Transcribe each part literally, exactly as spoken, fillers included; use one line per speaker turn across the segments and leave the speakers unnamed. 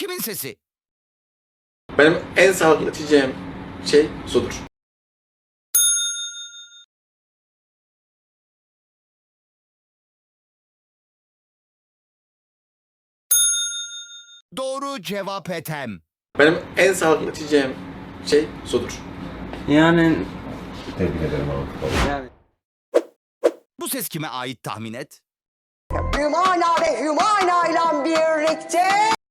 kimin sesi?
Benim en sağlıklı içeceğim şey sudur.
Doğru cevap Ethem.
Benim en sağlıklı içeceğim şey sudur.
Yani
Tebrik ederim abi.
yani
Bu ses kime ait tahmin et?
Hümana ve Hümana ile birlikte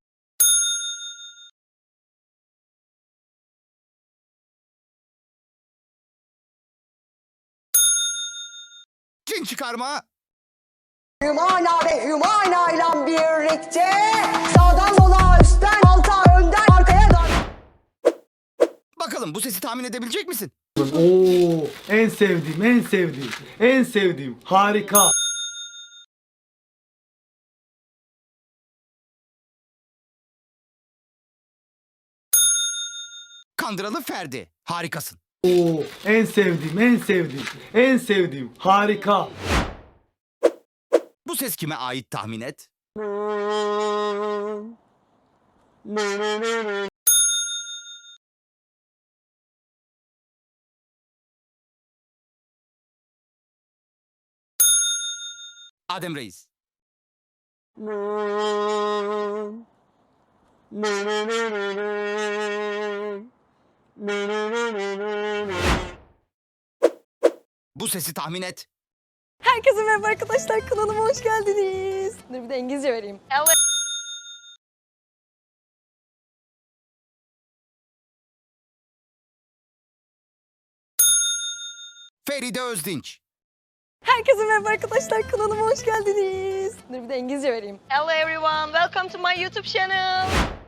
Cin çıkarma.
Hümana ve Hümana ile birlikte sağdan sola, üstten alta, önden arkaya dön.
Bakalım bu sesi tahmin edebilecek misin?
Oo, en sevdiğim, en sevdiğim, en sevdiğim. Harika.
Kandıralı Ferdi. Harikasın.
Oo, en sevdiğim, en sevdiğim, en sevdiğim. Harika.
Bu ses kime ait tahmin et? Adem Reis. Bu sesi tahmin et.
Herkese merhaba arkadaşlar, kanalıma hoş geldiniz. Dur bir de İngilizce vereyim. Hello.
Feride Özdinç.
Herkese merhaba arkadaşlar, kanalıma hoş geldiniz. Dur bir de İngilizce vereyim. Hello everyone, welcome to my YouTube channel.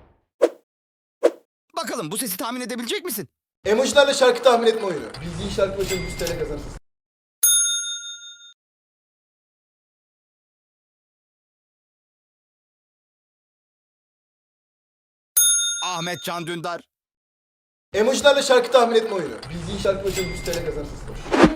Bakalım bu sesi tahmin edebilecek misin?
Emojilerle şarkı tahmin etme oyunu. Bildiğin şarkı başına yüz T L kazanırsın.
Ahmet Can Dündar.
Emojilerle şarkı tahmin etme oyunu. Bildiğin şarkı başına yüz T L kazanırsın.